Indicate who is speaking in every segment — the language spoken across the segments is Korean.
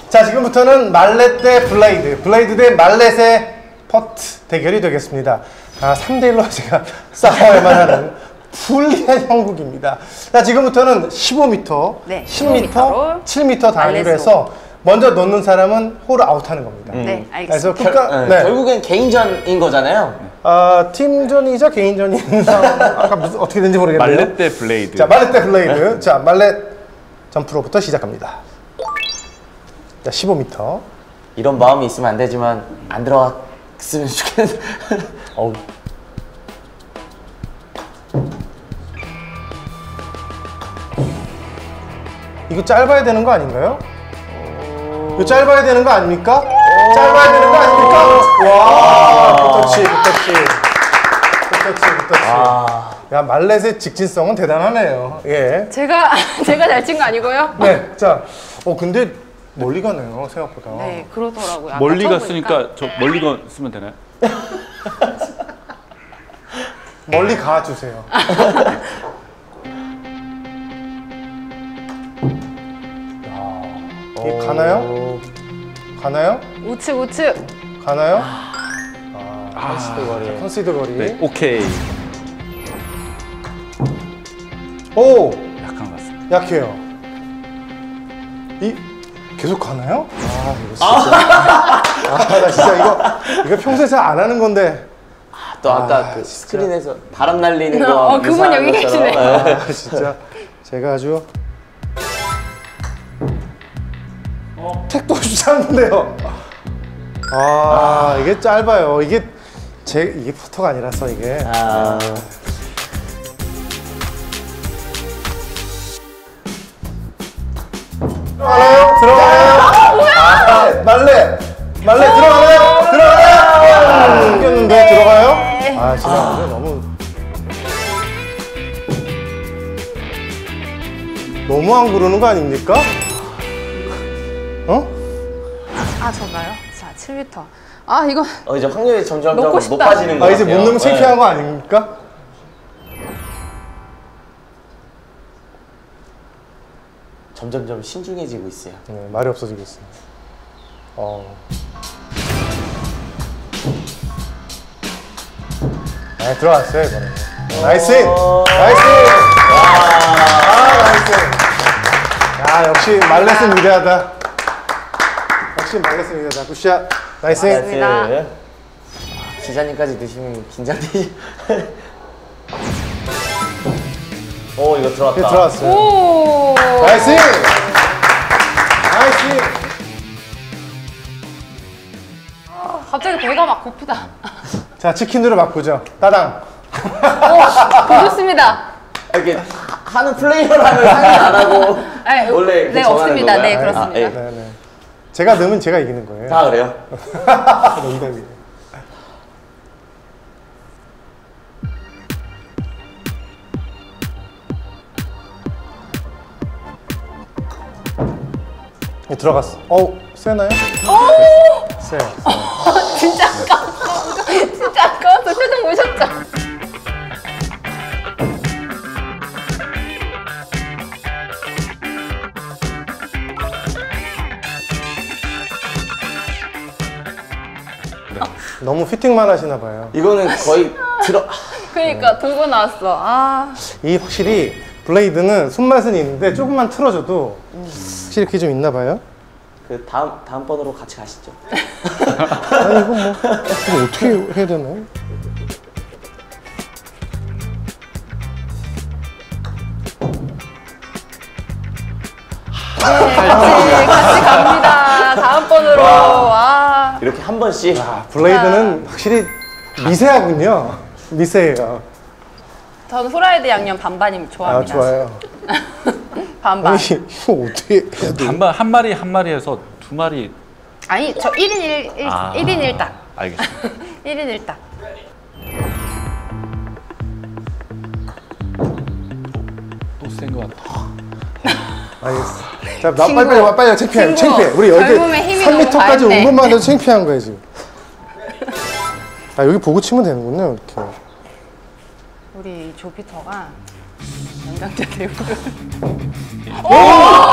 Speaker 1: 자, 지금부터는 말렛 대 블레이드, 블레이드 대 말렛의 퍼트 대결이 되겠습니다. 3대1로 제가 싸워야만 하는 불리한 형국입니다. 자, 지금부터는 15m,
Speaker 2: 네,
Speaker 1: 10m, 7m 단위로 해서 먼저 넣는 사람은 홀을 아웃하는 겁니다.
Speaker 2: 네, 알겠습니다.
Speaker 1: 그래서
Speaker 3: 네. 결국엔 개인전인 거잖아요.
Speaker 1: 팀전이자 개인전인 상황, 아까 무슨 어떻게 된지 모르겠네요.
Speaker 4: 말렛 대 블레이드.
Speaker 1: 자, 말렛 대 블레이드. 자, 말렛 점프로부터 시작합니다. 자, 15m.
Speaker 3: 이런 마음이 있으면 안 되지만 안 들어갔으면 좋겠는데.
Speaker 1: 어우. 이거 짧아야 되는 거 아닌가요? 이거 짧아야 되는 거 아닙니까? 짧아야 되는 거 아닙니까? 와, 굿터치. 야, 말렛의 직진성은 대단하네요. 예.
Speaker 2: 제가 잘 친 거 아니고요?
Speaker 1: 네. 자, 근데 멀리 가네요, 생각보다.
Speaker 2: 네, 그러더라고요. 아까
Speaker 4: 멀리
Speaker 2: 처음
Speaker 4: 갔으니까
Speaker 2: 보니까.
Speaker 4: 저 멀리 가 쓰면 되나요?
Speaker 1: 멀리 가주세요. 이게 가나요? 가나요?
Speaker 2: 우측.
Speaker 1: 가나요?
Speaker 3: 컨시드 거리.
Speaker 1: 컨시드 거리.
Speaker 4: 네, 오케이.
Speaker 1: 오!
Speaker 4: 약간 갔습니다.
Speaker 1: 약해요. 계속 가나요? 이거 진짜. 나 진짜 이거 평소에 잘 안 하는 건데.
Speaker 3: 또 아까 그 스크린에서 바람 날리는 거.
Speaker 2: 그분 여기 계시네.
Speaker 1: 진짜. 제가 아주. 택도 없이 찼는데요. 이게 짧아요. 이게 퍼터가 아니라서 이게. 들어가나요? 말렛 들어가나요? 생겼는데 들어가요? 진짜 너무 안 구르는 거 아닙니까?
Speaker 2: 저가요? 자, 7m. 이거
Speaker 3: 이제 확률이 점점
Speaker 2: 넣고 싶다.
Speaker 3: 높아지는 거 같아요.
Speaker 1: 이제 못 넣으면 창피한 거 아닙니까?
Speaker 3: 점점점 신중해지고 있어요.
Speaker 1: 네, 말이 없어지고 있습니다. 네, 들어갔어요, 이거는. 나이스! 나이스! 나이스! 야, 역시 말렛은 위대하다. 굿샷. 나이스!
Speaker 2: 맞습니다.
Speaker 3: 기자님까지 드시면 긴장되지. 이거 들어왔다.
Speaker 1: 네, 들어왔어요.
Speaker 2: 오!
Speaker 1: 나이스! 나이스!
Speaker 2: 갑자기 배가 막 고프다.
Speaker 1: 자, 치킨으로 바꾸죠. 따당.
Speaker 2: 좋습니다.
Speaker 3: 이렇게 하는 플레이어라면 상의 안 하고 원래
Speaker 2: 네, 없습니다.
Speaker 3: 건가요?
Speaker 2: 네, 그렇습니다.
Speaker 1: 네. 제가 넣으면 제가 이기는 거예요.
Speaker 3: 그래요?
Speaker 1: 농담이에요. 들어갔어. 세나요? 세.
Speaker 2: 진짜 아까웠어. 표정 보셨죠?
Speaker 1: 너무 피팅만 하시나 봐요.
Speaker 3: 이거는 거의
Speaker 2: 그러니까 들고 나왔어.
Speaker 1: 이 확실히 블레이드는 손맛은 있는데 조금만 틀어줘도 확실히 그게 좀 있나 봐요.
Speaker 3: 그 다음 번으로 같이 가시죠.
Speaker 1: 아니 이거 어떻게 해야 되나요?
Speaker 2: 같이 갑니다. 다음 번으로.
Speaker 3: 이렇게 한 번씩.
Speaker 1: 블레이드는 확실히 미세하군요. 미세해요.
Speaker 2: 저는 후라이드 양념 반반이 좋아합니다.
Speaker 1: 좋아요.
Speaker 2: 반반.
Speaker 1: 아니 이거 어떻게 해야 돼?
Speaker 4: 반반 한 마리 해서 두 마리.
Speaker 2: 아니 저 1인 1인 1딱.
Speaker 4: 알겠습니다.
Speaker 2: 1인 1딱.
Speaker 4: 또 센 것 같아.
Speaker 1: 알겠어. 자, 빨리 창피해. 우리 여기
Speaker 2: 젊음의 힘이
Speaker 1: 3m까지
Speaker 2: 너무
Speaker 1: 온
Speaker 2: 과했네.
Speaker 1: 것만 해도 창피한 거야 지금. 여기 보고 치면 되는군요, 이렇게.
Speaker 2: 우리 조피터가 연장자 대우를.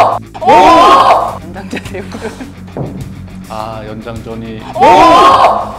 Speaker 2: 연장자 대우를.
Speaker 4: 아 연장전이